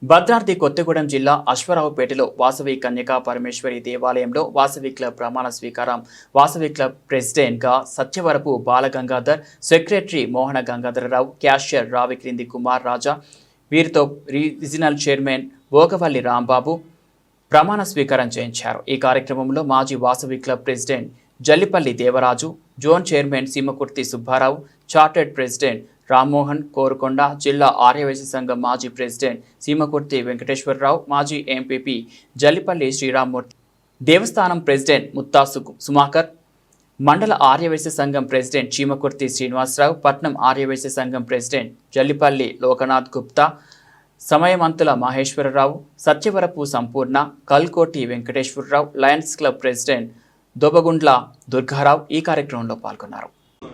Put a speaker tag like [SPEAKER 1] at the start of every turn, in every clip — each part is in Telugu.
[SPEAKER 1] భద్రాద్రి కొత్తగూడెం జిల్లా అశ్వారావుపేటలో వాసవి కన్యకా పరమేశ్వరి దేవాలయంలో వాసవి క్లబ్ ప్రమాణ స్వీకారం. వాసవి క్లబ్ ప్రెసిడెంట్గా సత్యవరపు బాలగంగాధర్, సెక్రటరీ మోహన గంగాధరరావు, క్యాషియర్ రావిక్రింది కుమార్ రాజా, వీరితో రీజనల్ చైర్మన్ భోగవల్లి రాంబాబు ప్రమాణ స్వీకారం చేయించారు. ఈ కార్యక్రమంలో మాజీ Vasavi club president Jallipalli Devaraju, zone chairman Seemakurthi Subbarao, chartered president Rammohan Korukonda, జిల్లా ఆర్యవైశ్య సంఘం మాజీ ప్రెసిడెంట్ సీమకుర్తి వెంకటేశ్వరరావు, మాజీ ఎంపీపీ జల్లిపల్లి శ్రీరామ్మూర్తి, దేవస్థానం ప్రెసిడెంట్ ముత్తాసు సుమాకర్, మండల ఆర్యవైశ్య సంఘం ప్రెసిడెంట్ చీమకుర్తి శ్రీనివాసరావు, పట్నం ఆర్యవైశ్య సంఘం president Jallipalli Lokanath Gupta, Samayamanthula Maheswararao, Satyavarapu Sampoorna, Kalkoti Venkateswararao, lions club president Dobagundla Durgarao ఈ కార్యక్రమంలో పాల్గొన్నారు.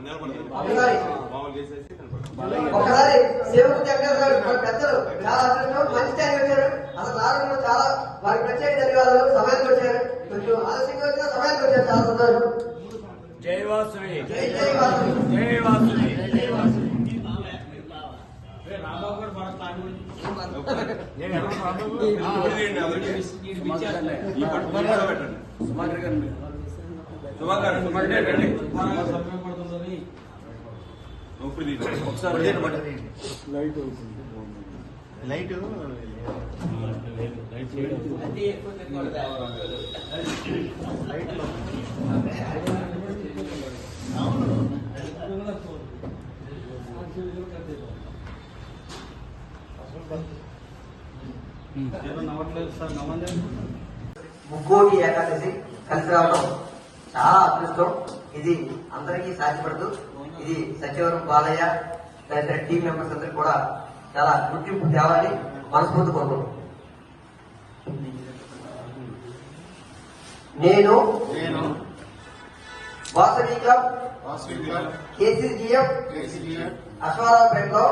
[SPEAKER 2] ఒకసారి సేవకు దగ్గర పెద్దలు చాలా మంచి టైం వచ్చారు. అసలు రావడంలో చాలా వారికి ప్రత్యేక ధన్యవాదాలు. సమయానికి వచ్చారు, కొంచెం ఆలస్యంగా వచ్చిన సమయానికి వచ్చారు. చాలా సంతోషం.
[SPEAKER 3] జై వాసవి,
[SPEAKER 2] జై జై వాసవి,
[SPEAKER 3] జై వాసవి, జై వాసవి.
[SPEAKER 4] లైట్
[SPEAKER 2] ముక్కోటి ఏకాదశి కలిసి రావడం చాలా అదృష్టం. ఇది అందరికీ సాధ్యపడదు. ఇది సత్యవరం బాలయ్య తదితర టీం మెంబర్స్ అందరికి కూడా చాలా గుర్తింపు తేవాలని మనస్ఫూర్తి కోరుకుంటున్నాను. నేను వాసవి క్లబ్ కేసీజీఎఫ్ అశ్వారావుపేటలో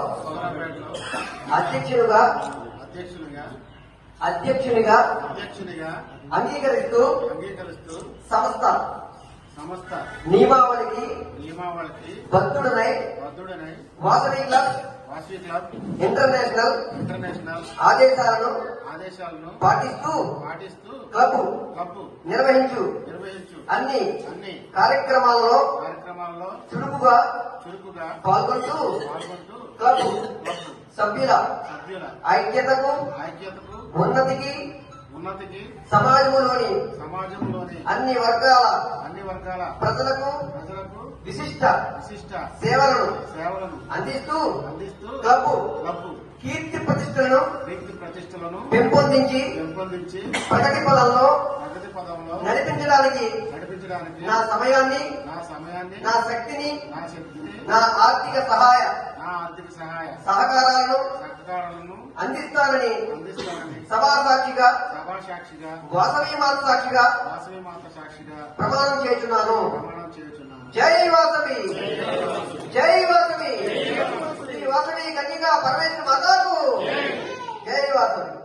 [SPEAKER 2] అధ్యక్షునిగా అంగీకరిస్తూ సంస్థ నియమావళికి బద్ధుడనై వాసవి క్లబ్ ఇంటర్నేషనల్ ఆదేశాలను పాటిస్తూ క్లబ్ నిర్వహించు అన్ని కార్యక్రమాల్లో చురుకుగా పాల్గొంటూ క్లబ్ సభ్యుల ఐక్యతకు ఉన్నతికి సమాజంలోని అన్ని వర్గాల ప్రజలకు విశిష్ట సేవలను అందిస్తూ క్లబ్ కీర్తి ప్రతిష్టలను పెంపొందించి ప్రగతి పదంలో నడిపించడానికి నా సమయాన్ని నా శక్తిని నా ఆర్థిక సహకారాలను అందిస్తానని సభా సాక్షిగా వాసవి మాత సాక్షిగా ప్రమాణం చేస్తున్నాను. జై వాసవి, జై వాసవి, శ్రీ వాసవి కన్యకా పరమేశ్వరి మాతాకు జై వాసవి.